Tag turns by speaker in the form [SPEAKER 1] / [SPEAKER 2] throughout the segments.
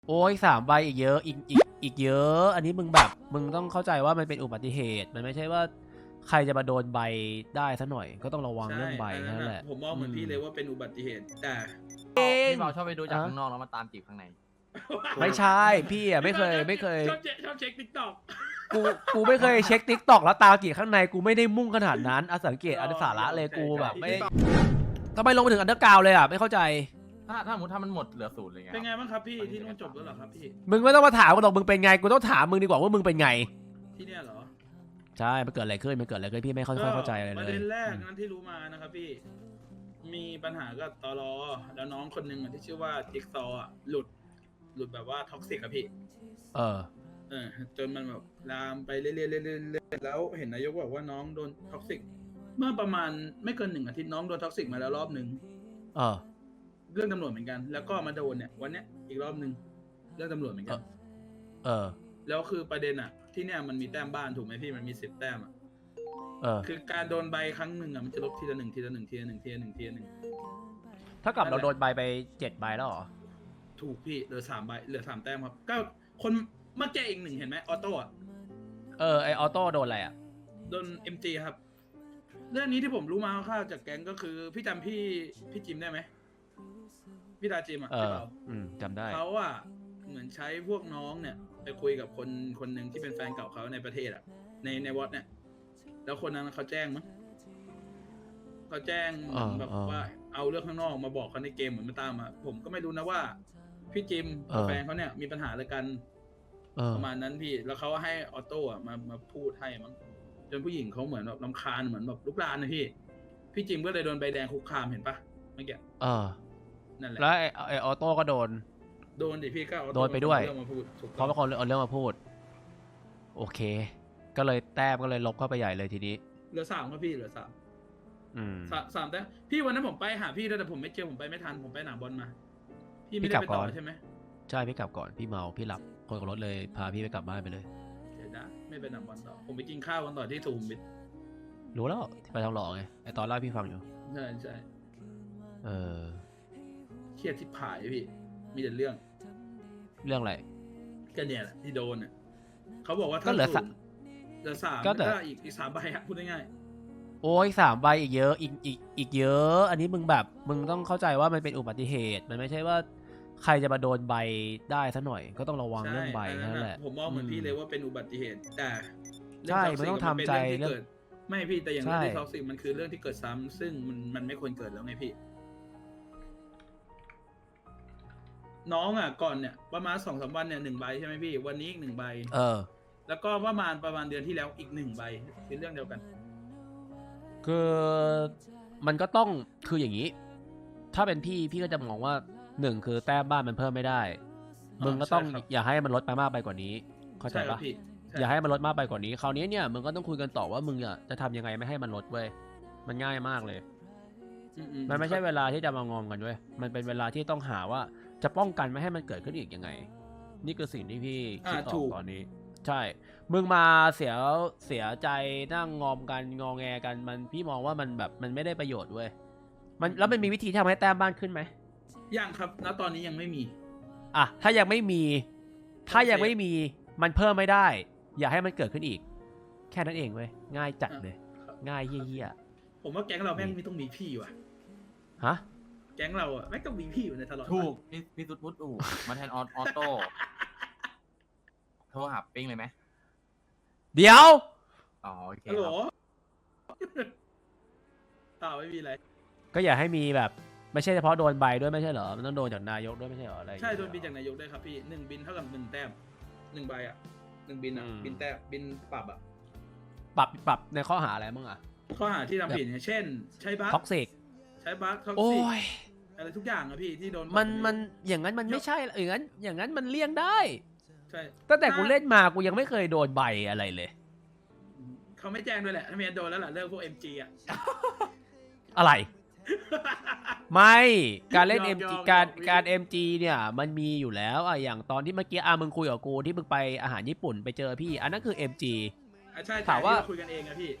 [SPEAKER 1] โอ้ย3 ใบอีกเยอะอีกเยอะอันนี้มึงแบบมึงต้องเข้าใจว่ามันเป็นอุบัติเหตุมันไม่ใช่ว่าใครจะมาโดนใบได้ซะหน่อยก็ต้องระวังเรื่องใบนั่นแหละ
[SPEAKER 2] ผมมองเหมือนพี่เลยว่าเป็นอุบัติเหตุแต่
[SPEAKER 3] พี่เบาชอบไปดูจากข้างนอกแล้วมาตามจีบข้างใน
[SPEAKER 1] ไม่ใช่พี่อ่ะไม่เคย
[SPEAKER 2] ชอบเช็คติ๊กต็อก
[SPEAKER 1] กูไม่เคยเช็ค TikTok แล้วตามกี่ข้างในกูไม่ได้มุ่งขนาดนั้นสังเกตอันสาระเลยกูแบบไม่ทำไมลงไปถึงอันเดอร์กราวเลยอ่ะไม่เข้าใจ
[SPEAKER 3] ถ้ามันหมดเหลือศูนย์เลยไง
[SPEAKER 2] เป็นไงบ้างครับพี่ที่นู่นจบแล้วเหรอครับพี่
[SPEAKER 1] มึงไม่ต้องมาถามกูหรอกมึงเป็นไงกูต้องถามมึงดีกว่าว่ามึงเป็นไง
[SPEAKER 2] ที่เนี่ยเหรอ
[SPEAKER 1] ใช่มันเกิดอะไรขึ้นพี่ไม่ค่อยเข้าใจอะไรเลย
[SPEAKER 2] ประเด็นแรกนั้นที่รู้มานะครับพี่มีปัญหากับตลแล้วน้องคนหนึ่งที่ชื่อว่าจิ๊กซอหลุดแบบว่าท็อกซิกอะพี่จนมันแบบลามไปเรื่อยๆแล้วเห็นนายกบอกว่าน้องโดนท็อกซิกเมื่อประมาณไม่เกิน1 อาทิตย์น้องโดนท็อกซิกมาแล้วรอบหนึ่งเรื่องตำรวจเหมือนกันแล้วก็มาโดนเนี่ยวันเนี้ยอีกรอบหนึ่งเรื่องตำรวจเหมือนกันแล้วคือประเด็นอะที่เนี่ยมันมีแต้มบ้านถูกไหมพี่มันมี10 แต้มอะคือการโดนใบครั้งหนึ่งอะมันจะลบทีละ 1
[SPEAKER 1] ถ้ากับเราโดนใบไป7 ใบแล้วเหรอ
[SPEAKER 2] ถูกพี่เหลือ3 ใบเหลือ3 แต้มครับก็คนเมื่อกี้อีก1เห็นไหมออโต้อะ
[SPEAKER 1] ไอออโต้โดนอะไรอะ
[SPEAKER 2] โดน MG ครับเรื่องนี้ที่ผมรู้มาคร่าวๆจากแก๊งก็คือพี่จำพี่จิมได้ไหมพี่ตาจิมอะใช่เปล่า
[SPEAKER 1] จำได้
[SPEAKER 2] เขาอะเหมือนใช้พวกน้องเนี่ยไปคุยกับคนหนึ่งที่เป็นแฟนเก่าเขาในประเทศอะในวอตเนี่ยแล้วคนนั้นเขาแจ้งมั้งเขาแจ้งแบบว่าเอาเรื่องข้างนอกมาบอกเขาในเกมเหมือนมาตามมาผมก็ไม่รู้นะว่าพี่จิมกับแฟนเขาเนี่ยมีปัญหาอะไรกันประมาณนั้นพี่แล้วเขาให้ออโต้มาพูดให้มั้งจนผู้หญิงเขาเหมือนแบบรำคาญเหมือนแบบลุกลานนะพี่จิมก็เลยโดนใบแดงคุกคามเห็นปะเมื่อกี้นั่นแหละ
[SPEAKER 1] แล้วไอออโต้ก็โดน
[SPEAKER 2] ดิพี่ก็
[SPEAKER 1] โดนไปด้วยเพราะ
[SPEAKER 2] เป็น
[SPEAKER 1] คนเอาเรื่องมาพูดโอเคก็เลยแต้มก็เลยลบเข้าไปใหญ่เลยทีนี้
[SPEAKER 2] เหลือ3ครับพี่เหลือ3แต้มพี่วันนั้นผมไปหาพี่ด้วยแต่ผมไม่เจอผมไปไม่ทันผมไปหนามบอลมาพี่ไม่ได้ไปต่อใช่ไหม
[SPEAKER 1] ใช่พี่กลับก่อนพี่เมาพี่หลับคนกับรถเลยพาพี่ไปกลับบ้านไปเลย
[SPEAKER 2] เดี๋ยวนะไม่ไปหนามบอลต่อผมไปกินข้าวกันต่อที่สุขุมวิท
[SPEAKER 1] รู้แล้วไปทองหล่อไงไอตอนเล่าพี่ฟังอยู่
[SPEAKER 2] ใช่เครียดที่ผายพี่มีแต่เรื่อง
[SPEAKER 1] อะไร
[SPEAKER 2] ก็เนี่ยแหละที่โดนเนี่ยเขาบอกว่า
[SPEAKER 1] ก็เหลือ
[SPEAKER 2] 3ก็อีก3 ใบพูดง่าย
[SPEAKER 1] โอ้ย3 ใบอีกเยอะอีกเยอะอันนี้มึงแบบมึงต้องเข้าใจว่ามันเป็นอุบัติเหตุมันไม่ใช่ว่าใครจะมาโดนใบได้ซะหน่อยก็ต้องระวังเรื่องใบนั่นแหละ
[SPEAKER 2] ผมมองเหมือนพี่เลยว่าเป็นอุบัติเหตุแต่
[SPEAKER 1] ใช่มันต้องทำใจ
[SPEAKER 2] เรื่องไม่พี่แต่อย่างเรื่องที่ท็อกซิกมันคือเรื่องที่เกิดซ้ำซึ่งมันไม่ควรเกิดแล้วไงพี่น้องอ่ะก่อนเนี่ยประมาณ2-3 วันเนี่ย1 ใบใช่ไหมพี่วันนี้อีก1 ใบแล้วก็ประมาณเดือนที่แล้วอีก1 ใบเป็นเรื่องเดียวกัน
[SPEAKER 1] คือมันก็ต้องคืออย่างนี้ถ้าเป็นพี่ก็จะมองว่า1คือแต้มบ้านมันเพิ่มไม่ได้มึงก็ต้องอย่าให้มันลดไปมากไปกว่านี้เข้าใจปะอย่าให้มันลดมากไปกว่านี้คราวนี้เนี่ยมึงก็ต้องคุยกันต่อว่ามึงจะทำยังไงไม่ให้มันลดเว้ยมันง่ายมากเลยมันไม่ใช่เวลาที่จะมางอมกันเว้ยมันเป็นเวลาที่ต้องหาว่าจะป้องกันไม่ให้มันเกิดขึ้นอีกยังไงนี่คือสิ่งที่พี่คิดออกตอนนี้ใช่มึงมาเสียใจนั่งงอมกันงอแงกันมันพี่มองว่ามันแบบมันไม่ได้ประโยชน์เว้ยแล้วมันมีวิธีทำให้แต้มบ้านขึ้นไหม
[SPEAKER 2] ยังครับณตอนนี้ยังไม่มี
[SPEAKER 1] ถ้ายังไม่มีมันเพิ่มไม่ได้อย่าให้มันเกิดขึ้นอีกแค่นั้นเองเว้ยง่ายจัดเลยง่ายเหี้ย
[SPEAKER 2] ผมว่าแก๊งเราแม่งไม่ต้องมีพี่ว่ะ
[SPEAKER 1] ฮะ
[SPEAKER 2] แก๊งเราอ่ะไม่ต้องมีพี่อยู่ในตลอด
[SPEAKER 3] ถูกพี่สุดพุทธมาแทนออโต้โทรหาปิ้งเลยไหม
[SPEAKER 1] เดี๋ยว
[SPEAKER 3] โอเค
[SPEAKER 2] ฮัลโหลต่อไม่มีอะไร
[SPEAKER 1] ก็อย่าให้มีแบบไม่ใช่เฉพาะโดนใบด้วยไม่ใช่เหรอมันต้องโดนจากนายกด้วยไม่ใช่เหรออะไร
[SPEAKER 2] ใช่โดนบินจากนายกด้วยครับพี่1 บินเท่ากับ1 แต้ม1 ใบ1 บินบินแต้มบินปรับ
[SPEAKER 1] ในข้อหาอะไรบ้าง
[SPEAKER 2] ข้อหาที่ทำผิดเช่นใช้บัค
[SPEAKER 1] ท็อกซิก
[SPEAKER 2] ใช้บัคท็อกซิกอะไรทุกอย่างอะพี่ที่โดน
[SPEAKER 1] มันอย่างนั้นมันไม่ใช่อย่างนั้นมันเลี่ยงได้
[SPEAKER 2] ใช่
[SPEAKER 1] ตั้งแต่กูเล่นมากูยังไม่เคยโดนใบอะไรเลย
[SPEAKER 2] เขาไม่แจ้งด้วยแหละถ้าเมียโดนแล้วล่ะเลิกพวก MG
[SPEAKER 1] อะไรไม่การเล่น MG การ MG เนี่ยมันมีอยู่แล้วอย่างตอนที่เมื่อกี้มึงคุยกับกูที่มึงไปอาหารญี่ปุ่นไปเจอพี่อันนั้นคือ MG
[SPEAKER 2] ใช่ถามว่าคุยกันเองอะพี่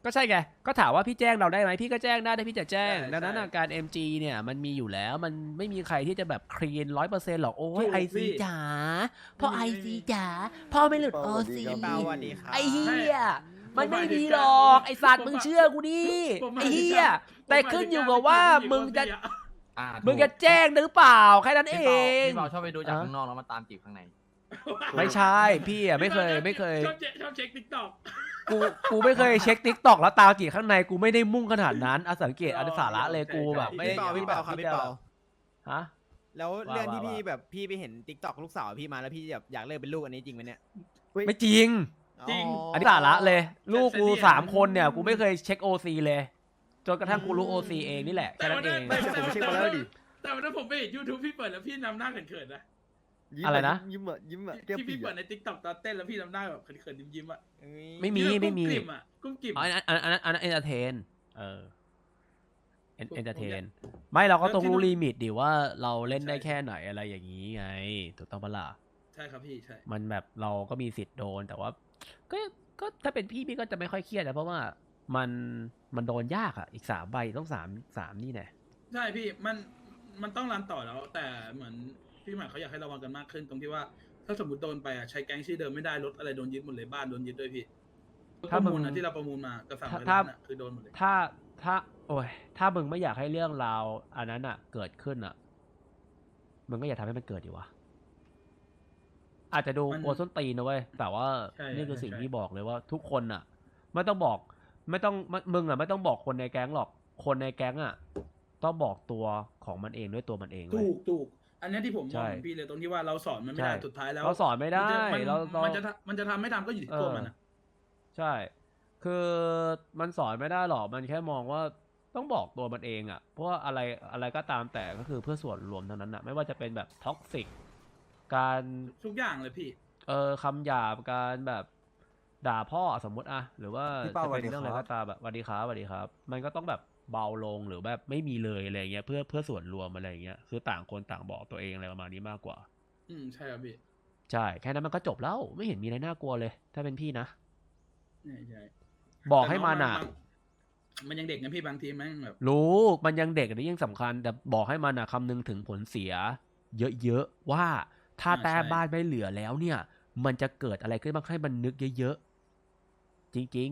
[SPEAKER 1] ก็ใช่ไงก็ถามว่าพี่แจ้งเราได้ไหมพี่ก็แจ้งได้ถ้าพี่จะแจ้ง
[SPEAKER 2] ใช่
[SPEAKER 1] ดังนั้น
[SPEAKER 2] ใช่
[SPEAKER 1] อาการ MG เนี่ยมันมีอยู่แล้วมันไม่มีใครที่จะแบบคลีน100%หรอกโอ้ย
[SPEAKER 2] ถูก
[SPEAKER 1] ไอ
[SPEAKER 2] พี่
[SPEAKER 1] ซีจ๋าพ่อไอ
[SPEAKER 2] ไม่มี
[SPEAKER 1] ซีจ๋าพ่อไม่หลุด
[SPEAKER 4] พี่
[SPEAKER 1] โอ
[SPEAKER 4] เปา
[SPEAKER 1] ซี
[SPEAKER 4] สวัสดีครับ
[SPEAKER 5] เปาสวัสดีครับ
[SPEAKER 1] ไอเฮีย
[SPEAKER 2] ไม่
[SPEAKER 1] มันไม่
[SPEAKER 2] ผมหมายถึ
[SPEAKER 1] มี
[SPEAKER 2] ง
[SPEAKER 1] หรอก
[SPEAKER 2] การ
[SPEAKER 1] ไอสัตว์
[SPEAKER 2] ผม
[SPEAKER 1] มึง
[SPEAKER 2] หมาย
[SPEAKER 1] เชื่อกูดิ
[SPEAKER 2] ผมหมาย
[SPEAKER 1] ไอ
[SPEAKER 2] ถึง
[SPEAKER 1] เฮีย
[SPEAKER 2] การ
[SPEAKER 1] แต่ขึ้นอยู่กับว่ามึงจะ
[SPEAKER 3] ถูก
[SPEAKER 1] มึงจะแจ้งหรือเปล่าแค่นั้นเอ
[SPEAKER 3] พี่เปาง พี่เปาชอบไปดูจาก
[SPEAKER 1] อ่ะ
[SPEAKER 3] ข้างนอกแล้วมาตามจีบข้างใน
[SPEAKER 1] ไม่ใช่พี่อ่ะไม่เคย
[SPEAKER 2] ชอบเช็คติ๊กต็อก
[SPEAKER 1] กูไม่เคยเช็คทิกตอกแล้วตามจีข้างในกูไม่ได้มุ่งขนาดนั้นอาสังเกตอันสาระเลยกูแบบไม่
[SPEAKER 5] พี่เปาครับพี่เปา
[SPEAKER 1] ฮะ
[SPEAKER 5] แล้วเรื่องที่
[SPEAKER 1] ว่า
[SPEAKER 5] พี่แบบพี่ไปเห็นติ๊กต็อกลูกสาวพี่มาแล้วพี่แบบอยากเลิกเป็นลูกอันนี้จริงไหมเนี่ย
[SPEAKER 1] ไม่จริง
[SPEAKER 2] จริง
[SPEAKER 1] อันนี้สาระเลย ลูกกู
[SPEAKER 2] เซนเซอร์
[SPEAKER 1] 3 คนเนี่ยกูไม่เคยเช็คโอซีเลยจนกระทั่งกูรู้โอซีเองนี่แหละแค่นั้นเอง
[SPEAKER 4] ผมเช็คมาแล้วดิ
[SPEAKER 2] แต่วันนั้นผมไปเห็น YouTube พี่เปิดแล้วพี่นำหน้าเขินๆนะ
[SPEAKER 1] อะไรนะ
[SPEAKER 4] ยิ้มอ่ะยิ้มอ่ะแก้ม
[SPEAKER 2] ที่
[SPEAKER 4] ปี
[SPEAKER 2] พี่เปิด
[SPEAKER 4] อ่ะ
[SPEAKER 2] ใน TikTok ตอนเต้นแล้วพี่นำหน้าแบบเขินๆยิ้มๆอ่ะ
[SPEAKER 1] ไม่มี
[SPEAKER 2] ที่แบบ
[SPEAKER 1] ไม่มี
[SPEAKER 2] กุ้งกลิ่ม
[SPEAKER 1] อ๋อ
[SPEAKER 2] อะ
[SPEAKER 1] อันนั้นเอนเตอร์เทนเออเอนเตอร์เท
[SPEAKER 2] ผมอยาน ก
[SPEAKER 1] ไม่เราก็ต้อง
[SPEAKER 2] แล้วที่
[SPEAKER 1] รู้
[SPEAKER 2] นู่น
[SPEAKER 1] ลิมิตดิว่าเราเล่นได้
[SPEAKER 2] ใช่
[SPEAKER 1] แค่ไหนอะไรอย่างนี้ไงถูกต้องปะล่ะ
[SPEAKER 2] ใช่ครับพี่ใช่
[SPEAKER 1] มันแบบเราก็มีสิทธิ์โดนแต่ว่าก็ถ้าเป็นพี่ก็จะไม่ค่อยเครียดนะเพราะว่ามันโดนยากอ่ะอีก3 ใบต้องสามนี่แน่
[SPEAKER 2] ใช่พี่มันต้องรันต่อแล้ว แต่เหมือนพี่หมายเขาอยากให้ระวังกันมากขึ้นตรงที่ว่า ถ้าสมมติโดนไปอ่ะใช้แก๊งชื่อเดิมไม่ได้รถอะไรโดนยึดหมดเลยบ้านโดนยึดด้วยพี่
[SPEAKER 1] ถ้า
[SPEAKER 2] ประ
[SPEAKER 1] มึง
[SPEAKER 2] มูลนะที่เราประมูลมากับสั่ง
[SPEAKER 1] ถ้า
[SPEAKER 2] ไปนั้นอ่ะคือโดนหมดเลย
[SPEAKER 1] ถ้าโอ้ยถ้ามึงไม่อยากให้เรื่องราวอันนั้นอ่ะ เกิดขึ้นอ่ะมึงก็อย่าทำให้มันเกิดดีวะอาจจะดู
[SPEAKER 2] มัน
[SPEAKER 1] กลัวส้นตีนนะเว้ยแต่ว่า
[SPEAKER 2] ใช่
[SPEAKER 1] นี่คือสิ่ง
[SPEAKER 2] ใช่
[SPEAKER 1] ที่บอกเลยว่า ทุกคนอ่ะ ไม่ต้องบอกมึงอ่ะไม่ต้องบอกคนในแก๊งหรอกคนในแก๊งอ่ะ ต้องบอกตัวของมันเองด้วยตัวมันเองเว้ย
[SPEAKER 2] ถูกอันเนี้ยที่ผมม
[SPEAKER 1] ใช่
[SPEAKER 2] องเหมือนพี่เลยตรงที่ว่าเราสอนมันไม่ได้
[SPEAKER 1] ใช่
[SPEAKER 2] สุดท้ายแล้ว
[SPEAKER 1] เราสอนไม่ได้
[SPEAKER 2] มันจะ
[SPEAKER 1] เรา
[SPEAKER 2] มันจะทำไม่ทำก็อยู่ที่ตัวมันอ่ะ
[SPEAKER 1] ใช่ คือมันสอนไม่ได้หรอก มันแค่มองว่าต้องบอกตัวมันเองอะเพราะว่าอะไรก็ตามแต่ก็คือเพื่อส่วนรวมเท่านั้นอะไม่ว่าจะเป็นแบบท็อกซิก การ
[SPEAKER 2] ทุกอย่างเลยพี่
[SPEAKER 1] คำหยาบ การแบบด่าพ่อสมมติอะหรือว่า
[SPEAKER 4] พี่เป้า
[SPEAKER 1] จะเป็น
[SPEAKER 4] สวัสดี
[SPEAKER 1] เรื่องอะไร
[SPEAKER 4] ครับ
[SPEAKER 1] ก็ตามแบบสวัสดีครับสวัสดีครับ มันก็ต้องแบบเบาลงหรือแบบไม่มีเลยอะไรเงี้ยเพื่อส่วนรวมอะไรเงี้ย คือต่างคนต่างบอกตัวเองอะไรประมาณนี้มากกว่า
[SPEAKER 2] ใช่ครับพี่
[SPEAKER 1] ใช่ แค่นั้นมันก็จบแล้ว ไม่เห็นมีอะไรน่ากลัวเลย ถ้าเป็นพี่นะ
[SPEAKER 2] ใช่
[SPEAKER 1] บอกให้มันอะ
[SPEAKER 2] มันยังเด็กนะพี่บางทีแม่งแบบ
[SPEAKER 1] รู้มันยังเด็กอันนี้ยังสำคัญ แต่บอกให้มันคำนึงถึงผลเสีย เยอะๆว่าถ้าแต้มบ้านไม่เหลือแล้วเนี่ย มันจะเกิดอะไรขึ้นบ้างให้มันนึกเยอะๆจริง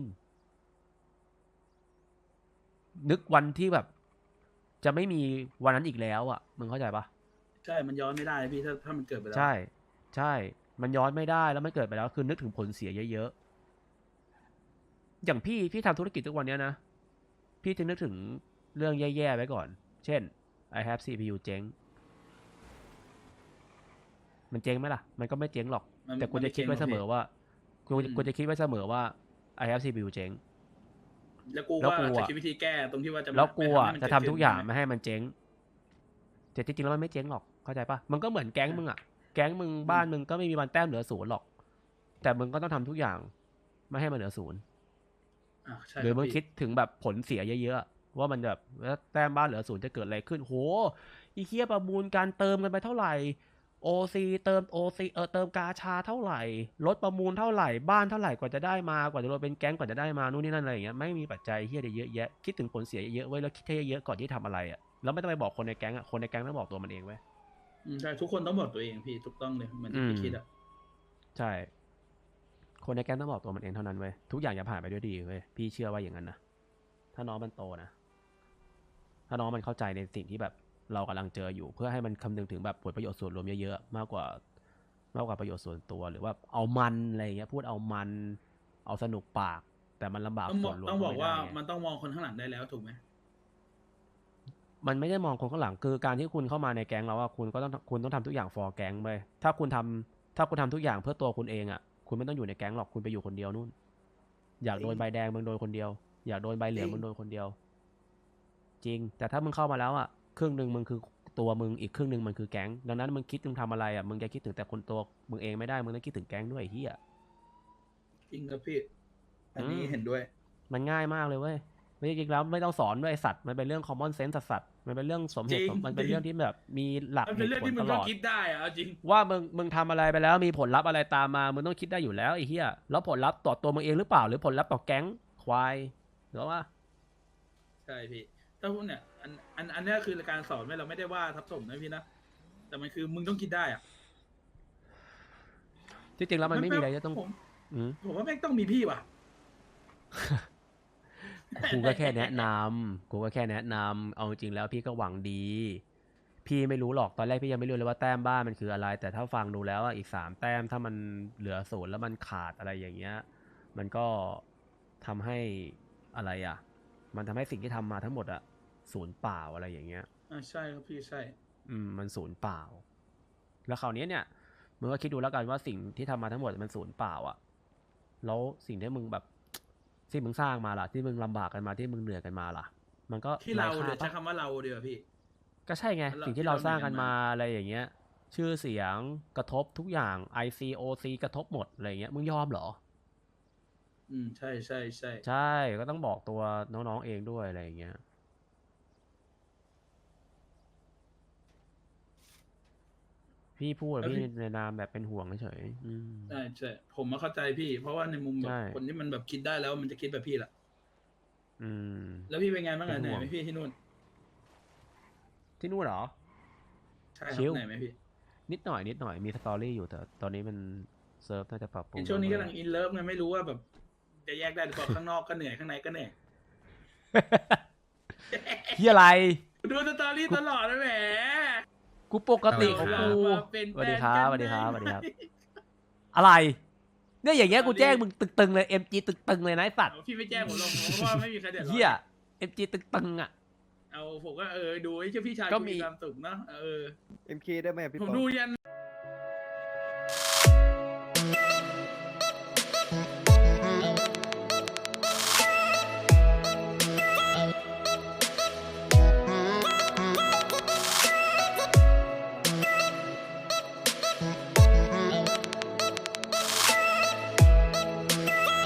[SPEAKER 1] ๆ นึกวันที่แบบ จะไม่มีวันนั้นอีกแล้วอ่ะมึงเข้าใจปะ
[SPEAKER 2] ใช่มันย้อนไม่ได้พี่ถ้ามันเกิดไปแล้ว
[SPEAKER 1] ใช่ ใช่ มันย้อนไม่ได้แล้วมันเกิดไปแล้วคือนึกถึงผลเสียเยอะๆอย่างพี่ทำธุรกิจทุกวันเนี้ยนะพี่จะนึกถึงเรื่องแย่ๆไว้ก่อน เช่น I have CPU เจ๊ง มันเจ๊งไหมล่ะ มันก็ไม่เจ๊งหรอก แต่กูจะคิดไว้เสมอว่ากูจะคิดไว้เสมอว่า I have CPU เจ๊ง
[SPEAKER 2] แล้วกู
[SPEAKER 1] แล้ว
[SPEAKER 2] ว่า
[SPEAKER 1] กู
[SPEAKER 2] จะ
[SPEAKER 1] อะ
[SPEAKER 2] คิดวิธีแก้ตรงที่ว่าจะ
[SPEAKER 1] แล้วกูอ่ะ
[SPEAKER 2] ไม่
[SPEAKER 1] จะ
[SPEAKER 2] ให้
[SPEAKER 1] ทำ
[SPEAKER 2] มัน
[SPEAKER 1] ทุกอย่าง
[SPEAKER 2] เดขึ้น
[SPEAKER 1] ไม่ให้มันเจ๊งแต่จริงๆแล้วมันไม่เจ๊งหรอก เข้าใจปะมันก็เหมือนแก๊งมึงอ่ะ แก๊งมึงบ้านมึงก็ไม่มีวันแต้มเหลือ0หรอก แต่มึงก็ต้องทำทุกอย่างไม่ให้มันเหลือ0
[SPEAKER 2] อ่ะใช่
[SPEAKER 1] หรือมึง
[SPEAKER 2] พี่
[SPEAKER 1] คิดถึงแบบผลเสียเยอะๆว่ามันแบบแต้มบ้านเหลือ0จะเกิดอะไรขึ้นโหอีเคียประมูลการเติมกันไปเท่าไหร่ OC เติม OC เติมกาชาเท่าไหร่รถประมูลเท่าไหร่บ้านเท่าไหร่กว่าจะได้มากว่าจะรวมเป็นแก๊งกว่าจะได้มานู่นนี่นั่นอะไรอย่างเงี้ยไม่มีปัจจัยเฮียเยอะแยะคิดถึงผลเสียเยอะๆไว้แล้วคิดให้เยอะๆก่อนที่ทำอะไรอ่ะแล้วไม่ต้องไปบอกคนในแก๊งอ่ะคนในแก๊งต้องบอกตัวมันเองไว้ย
[SPEAKER 2] ใช่ทุกคนต้องบอกตัวเองพี่ถูกต้องเลยเหมือนที่พี่คิดอ่ะ
[SPEAKER 1] ใช่ คนในแก๊งต้องบอกตัวมันเองเท่านั้นเว้ยทุกอย่างจะผ่านไปด้วยดีเว้ยพี่เชื่อว่าอย่างนั้นนะถ้าน้องมันโตนะถ้าน้องมันเข้าใจในสิ่งที่แบบเรากำลังเจออยู่เพื่อให้มันคำนึงถึงแบบผลประโยชน์ส่วนรวมเยอะๆมากกว่าประโยชน์ส่วนตัวหรือว่าเอามันอะไรอย่างเงี้ยพูดเอามันเอาสนุกปาก แต่มันลำบาก
[SPEAKER 2] ต้องบ
[SPEAKER 1] ส่
[SPEAKER 2] อ
[SPEAKER 1] ว
[SPEAKER 2] ก
[SPEAKER 1] นรวม
[SPEAKER 2] ต้องบอก
[SPEAKER 1] ไม่
[SPEAKER 2] ว่า
[SPEAKER 1] ได้ไง
[SPEAKER 2] มันต้องมองคนข้างหลังได้แล้วถูกไหม
[SPEAKER 1] มันไม่ได้มองคนข้างหลังคือการที่คุณเข้ามาในแก๊งแล้วว่าคุณต้องทำทุกอย่าง for แก๊งไปถ้าคุณทำทุกอย่างเพื่อตัวคุณเองอ่ะคุณไม่ต้องอยู่ในแก๊งหรอกคุณไปอยู่คนเดียวนู่นอยากโดนใบแดงมึงโดนคนเดียวอยากโดนใบเหลืองมึงโดนคนเดียว จริงแต่ถ้ามึงเข้ามาแล้วอ่ะครึ่งหนึ่งมึงคือตัวมึงอีกครึ่งหนึ่งมันคือแก๊งดังนั้นมึงคิดมึงทำอะไรอ่ะมึงจะคิดถึงแต่คนตัวมึงเองไม่ได้มึงต้องคิดถึงแก๊งด้วยไอ้เฮีย
[SPEAKER 2] จริงครับพี่ อันนี้เห็นด้วย
[SPEAKER 1] มันง่ายมากเลยเว้ยไม่จริงๆแล้วไม่ต้องสอนด้วยไอ้สัตว์มันเป็นเรื่อง common sense สัตว์มันเป็นเรื่องสมเหตุ
[SPEAKER 2] จริง
[SPEAKER 1] มันเป็นเรื่องที่แบบมีหลัก
[SPEAKER 2] มัน
[SPEAKER 1] เห
[SPEAKER 2] เป็น
[SPEAKER 1] ตุ
[SPEAKER 2] เรื่อง
[SPEAKER 1] ผล
[SPEAKER 2] ที่มึ
[SPEAKER 1] ต
[SPEAKER 2] ง
[SPEAKER 1] ล
[SPEAKER 2] ก็
[SPEAKER 1] อด
[SPEAKER 2] คิดได้อะเอาจริง
[SPEAKER 1] ว่ามึงทำอะไรไปแล้วมีผลลัพธ์อะไรตามมามึงต้องคิดได้อยู่แล้วไอ้เหี้ยแล้วผลลัพธ์ต่อตัวมึงเองหรือเปล่าหรือผลลัพธ์ต่อแก๊งควายหรือว่า
[SPEAKER 2] ใช่พี่ถ้าพวกเนี่ยอันเนี้ยคือการสอนไม่เราไม่ได้ว่าทับถมนะพี่นะแต่มันคือมึงต้องคิดได้อ่ะ
[SPEAKER 1] ที่จริงแล้วมันไม่มีอะไรจะต้อง
[SPEAKER 2] ผม
[SPEAKER 1] อืม
[SPEAKER 2] ผมว่าแม่งต้องมีพี่ว่ะ
[SPEAKER 1] กูก็แค่แนะนำเอาจริงแล้วพี่ก็หวังดี พี่ไม่รู้หรอกตอนแรกพี่ยังไม่รู้เลยว่าแต้มบ้านมันคืออะไร แต่ถ้าฟังดูแล้วอะอีก3 แต้มถ้ามันเหลือ0แล้วมันขาดอะไรอย่างเงี้ย มันก็ทำให้อะไรอ่ะ มันทำให้สิ่งที่ทำมาทั้งหมดอะศูนย์เปล่าอะไรอย่างเงี้ย
[SPEAKER 2] ใช่ครับพี่ใช่
[SPEAKER 1] มันศูนย์เปล่า แล้วคราวนี้เนี่ยมึงก็คิดดูแล้วกันว่าสิ่งที่ทำมาทั้งหมดมันศูนย์เปล่าอะแล้วสิ่งที่มึงแบบที่มึงสร้างมาล่ะที่มึงลำบากกันมาที่มึงเหนื่อยกันมาล่ะ มันก็
[SPEAKER 2] ที่เรา
[SPEAKER 1] ไค่
[SPEAKER 2] เดี๋ยวใช้
[SPEAKER 1] ปะ
[SPEAKER 2] คำว่าเราเดี๋ยวาพี่
[SPEAKER 1] ก็ใช่ไง
[SPEAKER 2] เรา
[SPEAKER 1] สิ่งที่เราสร้างกัน
[SPEAKER 2] ที่เรา
[SPEAKER 1] มา
[SPEAKER 2] เหนื่อยกันมา
[SPEAKER 1] อะไรอย่างเงี้ย ชื่อเสียงกระทบทุกอย่าง ICOC กระทบหมดอะไรอย่างเงี้ยมึงยอมเหรอ
[SPEAKER 2] ใช่ใช่ใช่
[SPEAKER 1] ใช่ก็ต้องบอกตัวน้องๆเองด้วยอะไรอย่างเงี้ยพี่พูดอะพี่ในนามแบบเป็นห่วงเฉยๆ
[SPEAKER 2] ใช่ใช่ผมมาเข้าใจพี่ เพราะว่าในมุมแบ
[SPEAKER 1] ใช่
[SPEAKER 2] บคนที่มันแบบคิดได้แล้วมันจะคิดแบบพี่แหละ
[SPEAKER 1] อืม
[SPEAKER 2] แล้วพี่เป็นไงบ้างอะ
[SPEAKER 1] เป็น
[SPEAKER 2] เหนื่
[SPEAKER 1] ห่
[SPEAKER 2] อยว
[SPEAKER 1] ง
[SPEAKER 2] ไหมพี่ที่นู่น
[SPEAKER 1] ที่นู่นเหรอ
[SPEAKER 2] ใช่ครั
[SPEAKER 1] ชิ
[SPEAKER 2] บ
[SPEAKER 1] ล
[SPEAKER 2] เหนื่อยไหมพี่
[SPEAKER 1] นิดหน่อยมีสตอรี่อยู่แต่ตอนนี้มันเซิร์ฟน่าจะปรับปรุง
[SPEAKER 2] ในช่วงนี้กำลังอินเลิฟไงไม่รู้ว่าแบบจะแยกได้หรือเปล่า ข้างนอกก็เหนื่อยข้างในก็เหนื่อย
[SPEAKER 1] เฮียอะไร
[SPEAKER 2] ดูสตอรี่ตลอดนะแหม
[SPEAKER 1] กูปกติของกู
[SPEAKER 2] มาเป็น
[SPEAKER 1] สวัสดี
[SPEAKER 2] แฟน
[SPEAKER 1] ครับ
[SPEAKER 2] กัน
[SPEAKER 1] สวัสดีครับ
[SPEAKER 2] ได้
[SPEAKER 1] สวัสดีครับ
[SPEAKER 2] ไหม
[SPEAKER 1] อะไร เนี่ยอย่างเงี้ย
[SPEAKER 2] ตอน
[SPEAKER 1] กู
[SPEAKER 2] นี้
[SPEAKER 1] แจ้งมึงตึงๆเลย MG ตึงๆเลยนะไอ้สัตว์
[SPEAKER 2] พี่ไม่แจ้งผมหรอกเพราะว่าไม่มีใครเดือดร้อน
[SPEAKER 1] เฮีย MG ตึงๆอ่ะ
[SPEAKER 2] เอาผมก็ดูไอ้เจ้าพี่ชาย
[SPEAKER 1] ก็
[SPEAKER 2] กู
[SPEAKER 1] มี
[SPEAKER 2] มีความสุขเนาะ
[SPEAKER 4] MK ได้ไหมอะพี่
[SPEAKER 2] ผม
[SPEAKER 4] ปอ
[SPEAKER 2] ดูยัน